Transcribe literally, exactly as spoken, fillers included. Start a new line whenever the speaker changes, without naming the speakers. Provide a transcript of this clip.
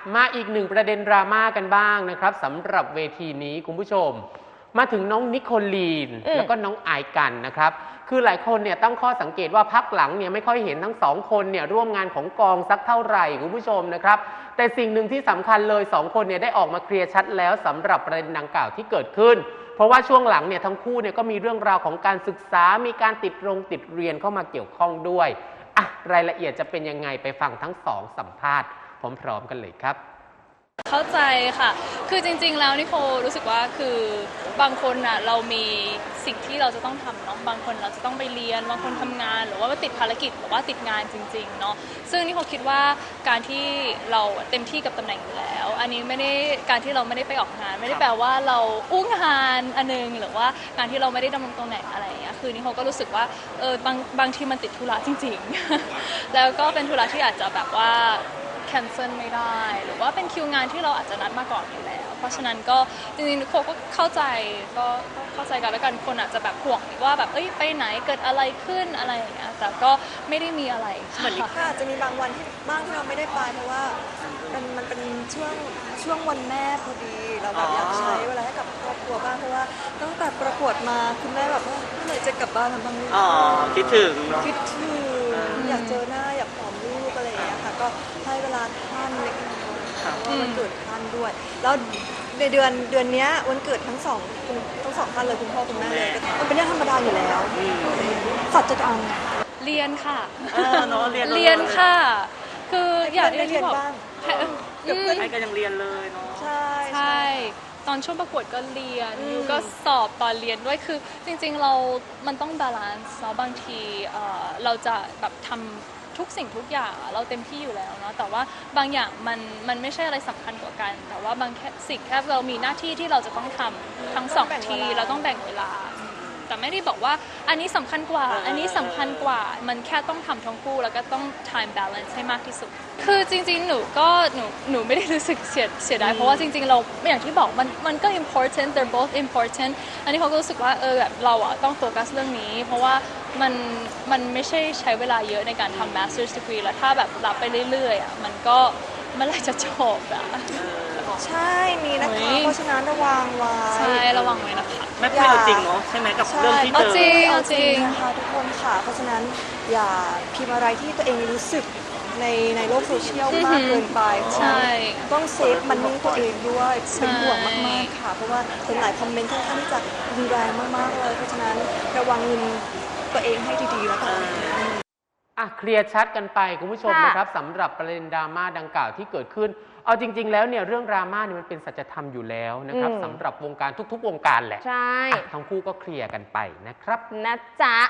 มาอีกหนึ่งประเด็นดราม่ากันบ้างนะครับสำหรับเวทีนี้คุณผู้ชมมาถึงน้องนิโคลีนแล้วก็น้องไอกันนะครับคือหลายคนเนี่ยตั้งข้อสังเกตว่าพักหลังเนี่ยไม่ค่อยเห็นทั้งสองคนเนี่ยร่วมงานของกองสักเท่าไหร่คุณผู้ชมนะครับแต่สิ่งหนึ่งที่สำคัญเลยสองคนเนี่ยได้ออกมาเคลียร์ชัดแล้วสำหรับประเด็นดังกล่าวที่เกิดขึ้นเพราะว่าช่วงหลังเนี่ยทั้งคู่เนี่ยก็มีเรื่องราวของการศึกษามีการติดโรงติดเรียนเข้ามาเกี่ยวข้องด้วยอ่ะรายละเอียดจะเป็นยังไงไปฟังทั้งสองสัมภาษณ์พร้อมๆกันเลยครับ
เข้าใจค่ะคือจริงๆแล้วนิโครู้สึกว่าคือบางคนน่ะเรามีสิ่งที่เราจะต้องทำเนาะบางคนเราจะต้องไปเรียนบางคนทำงานหรือว่าติดภารกิจหรือว่าติดงานจริงๆเนาะซึ่งนิโคคิดว่าการที่เราเต็มที่กับตำแหน่งอยู่แล้วอันนี้ไม่ได้การที่เราไม่ได้ไปออกงานไม่ได้แปลว่าเราอุ้งงานอันนึงหรือว่าการที่เราไม่ได้ดำรงตำแหน่งอะไรอย่างเงี้ยคือนิโคก็รู้สึกว่าเออบางบางทีมันติดธุระจริงๆแล้วก็เป็นธุระที่อาจจะแบบว่าแคนเซิลไม่ได้หรือว่าเป็นคิวงานที่เราอาจจะนัดมาก่อนอยู่แล้วเพราะฉะนั้นก็จริงๆโคก็เข้าใจก็เข้าใจกันแล้วกันคนอาจจะแบบห่วงว่าแบบเอ้ยไปไหนเกิดอะไรขึ้นอะไรอย่างเงี้ยแต่ก็ไม่ได้มีอะไรค่ะ
ค่ะจะมีบางวันที่บ้างที่เราไม่ได้ไปเพราะว่ามันมันเป็นช่วงช่วงวันแม่พอดีเราแบบอยากใช้เวลาให้กับครอบครัวบ้างเพราะว่าตั้งแต่ประกวดมาคุณแม่แบบว่าเมื่อไหร่จะกลับบ้านบ้าง
อ๋อคิดถึงเนาะ
คิดถึงอยากเจอหน้าอยากหอมลูกอะไรอย่างเงี้ยค่ะก็ให้เวลาท่านเล็กน้อยว่าวันเกิดท่านด้วยแล้วในเดือนเดือนนี้วันเกิดทั้งสองทั้งสองท่านเลยคุณพ่อคุณแม่เลยมันเป็นเรื่องธรรมดาอยู่แล้วสัจธรรม
เรียนค่ะ
เนาะเรียน
เรียนค่ะคืออยากเรียนที่บอก
เดี๋ยวเพื่อน
ไอ้ก็ยังเรียนเลยเนาะ
ใช่
ใช่ตอนช่วงประกวดก็เรียนอยู่ก็สอบตอนเรียนด้วยคือจริงๆเรามันต้องบาลานซ์เนาะบางทีเราจะแบบทำทุกสิ่งทุกอย่างเราเต็มที่อยู่แล้วเนาะแต่ว่าบางอย่างมันมันไม่ใช่อะไรสำคัญกว่ากันแต่ว่าบางสิ่งแค่เรามีหน้าที่ที่เราจะต้องทำทั้งสองทีเราต้องแบ่งเวลาแต่ไม่ได้บอกว่าอันนี้สำคัญกว่าอันนี้สำคัญกว่ามันแค่ต้องทำทั้งคู่แล้วก็ต้อง time balance ให้มากที่สุดคือจริงๆหนูก็หนูหนูไม่ได้รู้สึกเสียเสียดายเพราะว่าจริงๆเราอย่างที่บอกมันมันก็ important they're both important อันนี้เขาก็รู้สึกว่าเออแบบเราอะต้องโฟกัสเรื่องนี้เพราะว่ามันมันไม่ใช่ใช้เวลาเยอะในการทำ master's degree แล้วถ้าแบบรับไปเรื่อยๆอะมันก็เมื่อไหร่จะจบอะ
ใช่มีนะคะเพราะฉะนั้นระวังไว้
ใช่ระวังไว้นะคะ
ไม่พูดเอาจริงเนาะใช่ไหมกับเรื่องที่เจอ
จริงเอาจริง
นะคะทุกคนค่ะเพราะฉะนั้นอย่าพิมพ์อะไรที่ตัวเองรู้สึกในในโลกโซเชียลมากเกินไป
ใช่
ต้องเซฟมันนี่ตัวเองด้วยเป็นห่วงมากๆค่ะเพราะว่าเห็นหลายคอมเมนต์ค่อนข้างที่จะรุนแรงมากๆเลยเพราะฉะนั้นระวังเงินตัวเองให้ดีๆแล้วกัน
อ่ะเคลียร์ชัดกันไปคุณผู้ชมนะครับสำหรับประเด็นดราม่าดังกล่าวที่เกิดขึ้นเอาจริงๆแล้วเนี่ยเรื่องดราม่าเนี่ยมันเป็นสัจธรรมอยู่แล้วนะครับสำหรับวงการทุกๆวงการแหละ
ใช่
ทั้งคู่ก็เคลียร์กันไปนะครับ
นะจ๊ะ